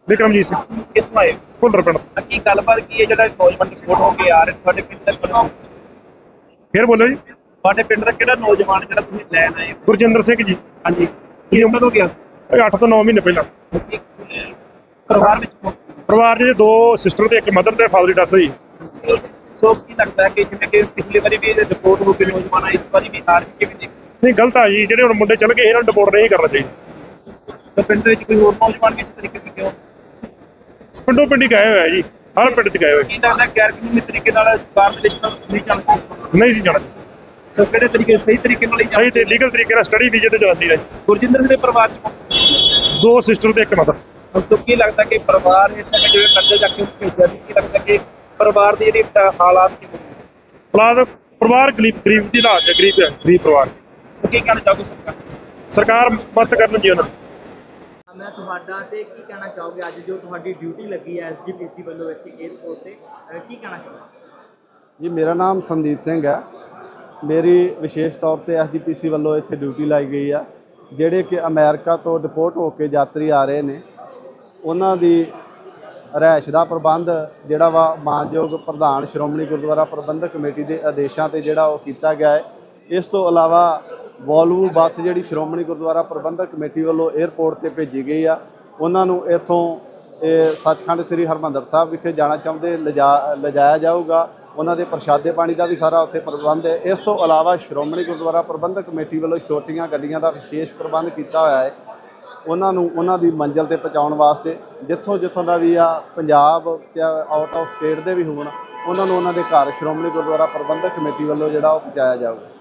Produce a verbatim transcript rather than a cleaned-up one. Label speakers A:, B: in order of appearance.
A: ਵਿਕਰਮਜੀਤ ਸਿੰਘ
B: ਕਿੱਥੋਂ ਆਏ
A: ਭੁੱਲਰ ਪਿੰਡ।
B: ਕੀ ਗੱਲਬਾਤ ਕੀ ਹੈ ਜਿਹੜਾ ਨੌਜਵਾਨ ਰਿਪੋਰਟ ਹੋ ਕੇ ਆ ਰਹੇ ਤੁਹਾਡੇ ਪਿੰਡ ਦਾ
A: ਫਿਰ ਬੋਲੋ ਜੀ।
B: ਤੁਹਾਡੇ ਪਿੰਡ ਦਾ ਕਿਹੜਾ ਨੌਜਵਾਨ ਜਿਹੜਾ ਤੁਸੀਂ ਲੈਣ ਆਏ ਹੋ?
A: ਗੁਰਜਿੰਦਰ ਸਿੰਘ ਜੀ।
B: ਹਾਂਜੀ ਕੀ ਉਮਰ ਹੋ ਗਿਆ
A: ਇਹ ਅੱਠ ਤੋਂ ਨੌ ਮਹੀਨੇ ਪਹਿਲਾਂ।
B: ਪਰਿਵਾਰ ਵਿੱਚ ਕੌਣ?
A: ਪਰਿਵਾਰ 'ਚ ਦੋ ਸਿਸਟਰ ਤੇ ਇੱਕ ਮਦਰ ਤੇ ਫਾਦਰ ਦੀ ਡੈਥ ਹੋਈ।
B: ਸੋ ਕੀ ਲੱਗਦਾ ਹੈ ਕਿ ਜਿਵੇਂ ਕਿ ਪਿਛਲੀ ਵਾਰੀ ਵੀ ਰਿਪੋਰਟ ਹੋ ਕੇ ਨੌਜਵਾਨ ਆਏ, ਇਸ ਵਾਰੀ ਵੀ ਹਾਰ ਕਿਵੇਂ ਦੇਖ?
A: ਨਹੀਂ, ਗਲਤ ਆ ਜੀ। ਜਿਹੜੇ ਹੁਣ ਮੁੰਡੇ ਚੱਲ ਗਏ ਇਹਨਾਂ ਨੂੰ ਡਿਪੋਰਟ ਨਹੀਂ ਕਰਨਾ ਚਾਹੀਦਾ।
B: ਤਾਂ ਪਿੰਡ ਦੇ ਵਿੱਚ ਕੋਈ ਹੋਰ ਨੌਜਵਾਨ ਵੀ ਇਸ ਤਰੀਕੇ ਦੇ ਕਿਉਂ?
A: ਪਿੰਡੋਂ ਪਿੰਡੀ ਗਏ ਹੋਇਆ ਜੀ, ਹਰ ਪਿੰਡ 'ਚ ਗਏ ਹੋਏ।
B: ਕੀ ਲੱਗਦਾ ਗੈਰ ਕਾਨੂੰਨੀ ਤਰੀਕੇ ਨਾਲ ਕਾਰਪੋਰੇਸ਼ਨ ਨਹੀਂ ਚੱਲਦਾ?
A: ਨਹੀਂ ਸੀ ਜਾਣਾ।
B: ਸੋ ਕਿਹੜੇ ਤਰੀਕੇ ਸਹੀ ਤਰੀਕੇ ਨਾਲ ਹੀ
A: ਸਹੀ ਤੇ ਲੀਗਲ ਤਰੀਕੇ ਨਾਲ ਸਟੱਡੀ ਵੀਜ਼ੇ ਤੇ ਜਾਂਦੀ ਹੈ।
B: ਗੁਰਜਿੰਦਰ ਸਿੰਘ ਦੇ ਪਰਿਵਾਰ ਚ
A: ਦੋ ਸਿਸਟਰ ਤੇ ਇੱਕ ਮਦਰ।
B: ਉਸ ਤੋਂ ਕੀ ਲੱਗਦਾ ਕਿ ਪਰਿਵਾਰ ਇਸ ਸਮੇਂ ਜਿਵੇਂ ਕਰਜ਼ੇ ਚੱਕ ਕੇ ਭੇਜਿਆ ਸੀ, ਕੀ ਲੱਗਦਾ ਕਿ ਪਰਿਵਾਰ ਦੀ ਜਿਹੜੀ ਤਾ- ਹਾਲਾਤ ਕਿਵੇਂ ਨੇ?
A: ਔਲਾਦ ਪਰਿਵਾਰ ਗਰੀਬ ਗਰੀਬ ਦੀ ਹਾਲਤ ਹੈ, ਗਰੀਬ ਹੈ, ਗਰੀਬ ਪਰਿਵਾਰ।
B: ਸੋ ਕੀ ਕਹਿਣਾ ਚਾਹੋਗੇ ਸਰਕਾਰ ਨੂੰ?
A: ਸਰਕਾਰ ਮਦਦ ਕਰਨ ਜੀ ਉਹਨਾਂ ਨੂੰ।
C: ਮੈਂ ਤੁਹਾਡਾ ਤੇ ਕੀ ਕਹਿਣਾ ਚਾਹੋਗੇ ਅੱਜ ਜੋ ਤੁਹਾਡੀ ਡਿਊਟੀ ਲੱਗੀ ਹੈ ਐਸਜੀਪੀਸੀ ਵੱਲੋਂ ਇੱਥੇ 에ਅਰਪੋਰਟ ਤੇ ਅਹ ਕੀ ਕਹਿਣਾ ਚਾਹੋਗੇ?
D: ਜੀ ਮੇਰਾ ਨਾਮ ਸੰਦੀਪ ਸਿੰਘ ਹੈ। ਮੇਰੀ ਵਿਸ਼ੇਸ਼ ਤੌਰ ਤੇ ਐਸਜੀਪੀਸੀ ਵੱਲੋਂ ਇੱਥੇ ਡਿਊਟੀ ਲਾਈ ਗਈ ਆ। ਜਿਹੜੇ ਕਿ ਅਮਰੀਕਾ ਤੋਂ ਡਿਪੋਰਟ ਹੋ ਕੇ ਯਾਤਰੀ ਆ ਰਹੇ ਨੇ, ਉਹਨਾਂ ਦੀ ਰਿਹਾਇਸ਼ ਦਾ ਪ੍ਰਬੰਧ ਜਿਹੜਾ ਵਾ ਮਾਨਯੋਗ ਪ੍ਰਧਾਨ ਸ਼੍ਰੋਮਣੀ ਗੁਰਦੁਆਰਾ ਪ੍ਰਬੰਧਕ ਕਮੇਟੀ ਦੇ ਆਦੇਸ਼ਾਂ ਤੇ ਜਿਹੜਾ ਉਹ ਕੀਤਾ ਗਿਆ ਹੈ। ਇਸ ਤੋਂ ਇਲਾਵਾ ਵੋਲਵੋ ਬੱਸ ਜਿਹੜੀ ਸ਼੍ਰੋਮਣੀ ਗੁਰਦੁਆਰਾ ਪ੍ਰਬੰਧਕ ਕਮੇਟੀ ਵੱਲੋਂ 에ਅਰਪੋਰਟ ਤੇ ਭੇਜੀ ਗਈ ਆ, ਉਹਨਾਂ ਨੂੰ ਇੱਥੋਂ ਇਹ ਸੱਚਖੰਡ ਸ੍ਰੀ ਹਰਿਮੰਦਰ ਸਾਹਿਬ ਵਿਖੇ ਜਾਣਾ ਚਾਹੁੰਦੇ ਲਿਜਾ ਲਿਜਾਇਆ ਜਾਊਗਾ। ਉਹਨਾਂ ਦੇ ਪ੍ਰਸ਼ਾਦੇ ਪਾਣੀ ਦਾ ਵੀ ਸਾਰਾ ਉੱਥੇ ਪ੍ਰਬੰਧ ਹੈ। ਇਸ ਤੋਂ ਇਲਾਵਾ ਸ਼੍ਰੋਮਣੀ ਗੁਰਦੁਆਰਾ ਪ੍ਰਬੰਧਕ ਕਮੇਟੀ ਵੱਲੋਂ ਛੋਟੀਆਂ ਗੱਡੀਆਂ ਦਾ ਵਿਸ਼ੇਸ਼ ਪ੍ਰਬੰਧ ਕੀਤਾ ਹੋਇਆ ਹੈ। ਉਹਨਾਂ ਨੂੰ ਉਹਨਾਂ ਦੀ ਮੰਜ਼ਿਲ ਤੇ ਪਹੁੰਚਾਉਣ ਵਾਸਤੇ ਜਿੱਥੋਂ ਜਿੱਥੋਂ ਦਾ ਵੀ ਆ, ਪੰਜਾਬ ਤੇ ਆਊਟ ਆਫ ਸਟੇਟ ਦੇ ਵੀ ਹੋਣ, ਉਹਨਾਂ ਨੂੰ ਉਹਨਾਂ ਦੇ ਘਰ ਸ਼੍ਰੋਮਣੀ ਗੁਰਦੁਆਰਾ ਪ੍ਰਬੰਧਕ ਕਮੇਟੀ ਵੱਲੋਂ ਜਿਹੜਾ ਉਹ ਪਹੁੰਚਾਇਆ ਜਾਊਗਾ।